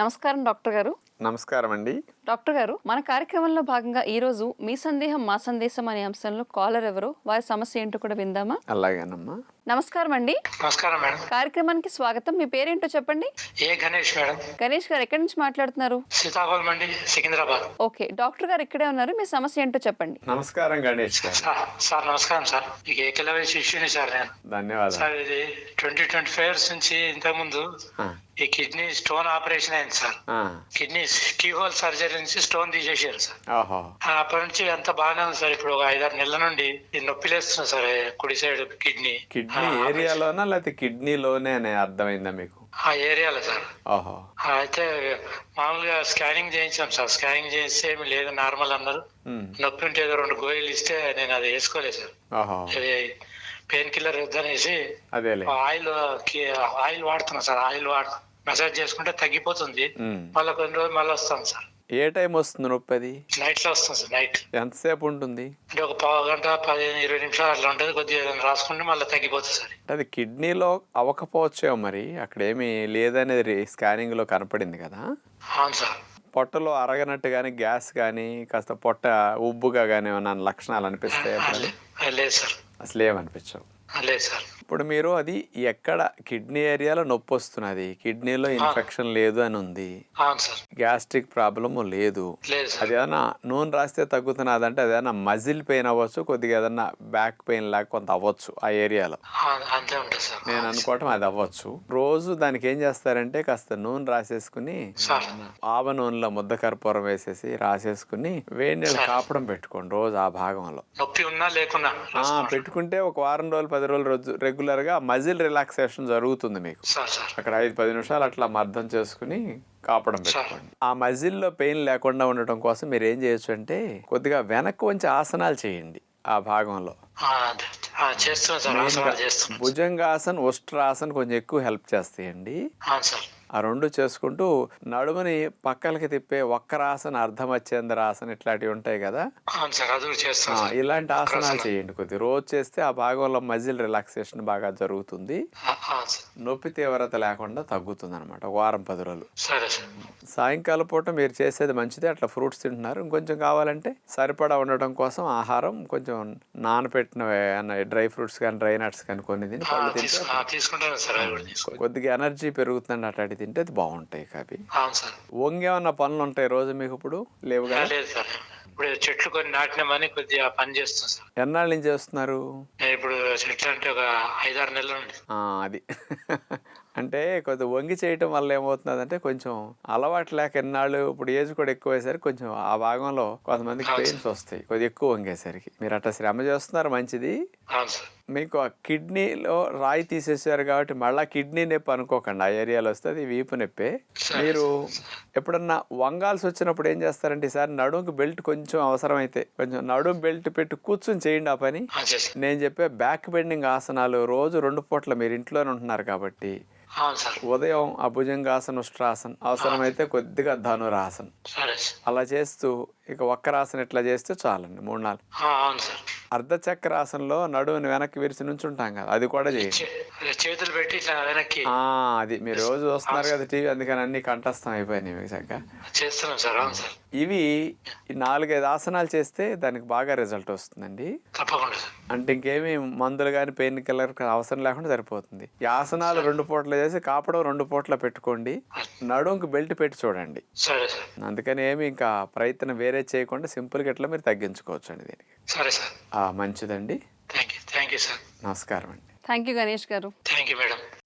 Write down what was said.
నమస్కారం డాక్టర్ గారు. నమస్కారం అండి. డాక్టర్ గారు, మన కార్యక్రమంలో భాగంగా ఈరోజు మీ సందేహం మా సందేశం అనే అంశంలో కాలర్ ఎవరో వారి సమస్య ఏంటో కూడా విందామా? అలాగేనమ్మా. నమస్కారం అండి. నమస్కారం మేడం. కార్యక్రమానికి స్వాగతం. మీ పేరేంటో చెప్పండి. గణేష్ మేడం. గణేష్ గారు ఎక్కడి నుంచి మాట్లాడుతున్నారు? సీతాఫలం అండి, సికింద్రాబాద్. ఓకే, డాక్టర్ గారు ఇక్కడే ఉన్నారు. మీ సమస్య ఏంటో చెప్పండి. నమస్కారం గణేష్ గారు. సార్ నమస్కారం సార్. మీకు ఏకలవ్య శిష్యుని సార్ నేను. ధన్యవాదాలు సార్. ఇది 2025 ఇయర్స్ నుంచి ఇంతకుముందు ఈ కిడ్నీ స్టోన్ ఆపరేషన్ అయింది సార్. కిడ్నీ కీహోల్ సర్జరీ నుంచి స్టోన్ తీసేసారు సార్. అప్పటి నుంచి అంత బాగానే ఉంది సార్. ఇప్పుడు ఒక 5-6 నెలల నుండి నొప్పి లేస్తుంది సార్ కుడి సైడ్ కిడ్నీ. కిడ్నీ ఏరియాలోనా లేకపోతే కిడ్నీలోనే అని అర్థమైందా మీకు? ఆ ఏరియాలో సార్. ఓహో. అయితే మామూలుగా స్కానింగ్ చేయించాం సార్. స్కానింగ్ చేస్తే ఏమి లేదు, నార్మల్ అన్నారు. నొప్పి ఉంటే ఏదో 2 గోళీలు ఇస్తే నేను అది వేసుకోలేదు సార్. అది పెయిన్ కిల్లర్ వద్దనేసి ఆయిల్ వాడుతున్నా సార్. ఆయిల్ మసాజ్ చేసుకుంటే తగ్గిపోతుంది. మళ్ళీ కొన్ని రోజులు మళ్ళీ వస్తాను సార్. ఏ టైం వస్తుంది నొప్పి? అది నైట్ లో వస్తుంది సార్. నైట్ ఎంతసేపు ఉంటుంది? అంటే ఒక పావు గంట 15-20 నిమిషాలు అట్లా ఉంటుంది. కొద్దిగా రాసుకుంటే మళ్ళీ తగ్గిపోతుంది సార్. అది కిడ్నీలో అవ్వకపోవచ్చేమో మరి. అక్కడ ఏమి లేదనేది స్కానింగ్ లో కనపడింది కదా. అవును సార్. పొట్టలో అరగనట్టు గానీ, గ్యాస్ గానీ, కాస్త పొట్ట ఉబ్బుగా గానీ ఏమన్నా లక్షణాలు అనిపిస్తాయి? లేదు సార్. అసలు ఏమనిపించవు? లేదు సార్. ఇప్పుడు మీరు అది ఎక్కడ కిడ్నీ ఏరియాలో నొప్పి వస్తున్నది, కిడ్నీలో ఇన్ఫెక్షన్ లేదు అని ఉంది, గ్యాస్ట్రిక్ ప్రాబ్లమ్ లేదు, అది ఏదైనా నూనె రాస్తే తగ్గుతున్నది అంటే అది ఏదైనా మజిల్ పెయిన్ అవ్వచ్చు, కొద్దిగా ఏదన్నా బ్యాక్ పెయిన్ లాగా కొంత అవ్వచ్చు ఆ ఏరియాలో. నేను అనుకోవటం అది అవ్వచ్చు. రోజు దానికి ఏం చేస్తారంటే కాస్త నూనె రాసేసుకుని ఆవ నూనెలో ముద్ద కర్పూరం వేసేసి రాసేసుకుని వేడి నీళ్ళు కాపడం పెట్టుకోండి రోజు ఆ భాగంలో. పెట్టుకుంటే ఒక వారం రోజులు 10 రోజులు రెగ్యులర్ గా మజిల్ రిలాక్సేషన్ జరుగుతుంది మీకు. అక్కడ 5-10 నిమిషాలు అట్లా మర్దం చేసుకుని కాపడం పెట్టుకోండి. ఆ మజిల్లో పెయిన్ లేకుండా ఉండటం కోసం మీరు ఏం చేయొచ్చు అంటే కొద్దిగా వెనక్కి వంచి ఆసనాలు చేయండి ఆ భాగంలో. భుజంగాసన్, ఉష్ట్రాసన్ కొంచెం ఎక్కువ హెల్ప్ చేస్తాయండి. ఆ 2 చేసుకుంటూ నడుముని పక్కలకి తిప్పే వక్రాసన, అర్ధమచ్చేంద్రాసన ఇట్లాంటివి ఉంటాయి కదా, ఇలాంటి ఆసనాలు చేయండి. కొద్ది రోజు చేస్తే ఆ భాగంలో మజిల్ రిలాక్సేషన్ బాగా జరుగుతుంది. నొప్పి తీవ్రత లేకుండా తగ్గుతుంది అనమాట. 1-10 రోజులు. సాయంకాలం పూట మీరు చేసేది మంచిది. అట్లా ఫ్రూట్స్ తింటున్నారు. ఇంకొంచెం కావాలంటే సరిపడా ఉండటం కోసం ఆహారం కొంచెం నానపెట్టిన డ్రై ఫ్రూట్స్ కానీ, డ్రై నట్స్ కానీ కొన్ని తిని పళ్ళు తింటే కొద్దిగా ఎనర్జీ పెరుగుతుందండి. అట్లాంటి తింటే అది బాగుంటాయి. అవి వంగేమన్నా పనులు ఉంటాయి రోజు మీకు? ఇప్పుడు లేవు కదా. చెట్లు కొన్ని నాటినామని కొద్దిగా పని చేస్తుంది సార్. ఎన్నాళ్ళ నుంచి చేస్తున్నారు? ఇప్పుడు చెట్లు అంటే ఒక 5-6 నెలల నుండి. అది అంటే కొద్దిగా వంగి చేయటం వల్ల ఏమవుతుందంటే కొంచెం అలవాటు లేక ఎన్నాళ్ళు, ఇప్పుడు ఏజ్ కూడా ఎక్కువయ్యేసరికి కొంచెం ఆ భాగంలో కొంతమందికి పెయిన్స్ వస్తాయి కొద్దిగా ఎక్కువ వంగేసరికి. మీరు అట్లా శ్రమ చేస్తున్నారు, మంచిది. మీకు ఆ కిడ్నీలో రాయి తీసేసారు కాబట్టి మళ్ళీ కిడ్నీ నొప్పి అనుకోకండి. ఆ ఏరియాలో వస్తుంది వీపు నొప్పే. మీరు ఎప్పుడన్నా వంగాల్సి వచ్చినప్పుడు ఏం చేస్తారంటే ఈసారి నడుముకి బెల్ట్ కొంచెం అవసరమైతే కొంచెం నడుము బెల్ట్ పెట్టి కూర్చొని చేయండి ఆ పని. నేను చెప్పే బ్యాక్ బెండింగ్ ఆసనాలు రోజు 2 పూట్ల మీరు ఇంట్లోనే ఉంటున్నారు కాబట్టి ఉదయం ఆ భుజంగాసన, ఉష్ట్రాసన్, అవసరమైతే కొద్దిగా ధనురాసన్ అలా చేస్తూ ఇక వక్రాసన ఇట్లా చేస్తే చాలండి. 3-4 అర్ధచక్రాసనలో నడువుని వెనక్కి విరిచి నుంచి ఉంటాం కదా, అది కూడా చేయండి. చేతులు పెట్టి అది మీరు రోజు చూస్తున్నారు కదా టీవీ, అందుకని అన్ని కంఠస్థం అయిపోయినాయి మీకు చక్కగా చేస్తున్నాం సార్. ఇవి 4-5 ఆసనాలు చేస్తే దానికి బాగా రిజల్ట్ వస్తుందండి. అంటే ఇంకేమి మందులు కానీ పెయిన్ కిల్లర్ అవసరం లేకుండా సరిపోతుంది. ఈ ఆసనాలు 2 పూటలు చేసి కాపడం 2 పూటలు పెట్టుకోండి. నడుముకి బెల్ట్ పెట్టి చూడండి. అందుకని ఏమి ఇంకా ప్రయత్నం వేరే చేయకుండా సింపుల్గా ఇట్లా మీరు తగ్గించుకోవచ్చు అండి దీనికి. సరే సార్. మంచిదండి. Thank you sir. నమస్కారం అండి. థ్యాంక్ యూ గణేష్ గారు. Thank you madam.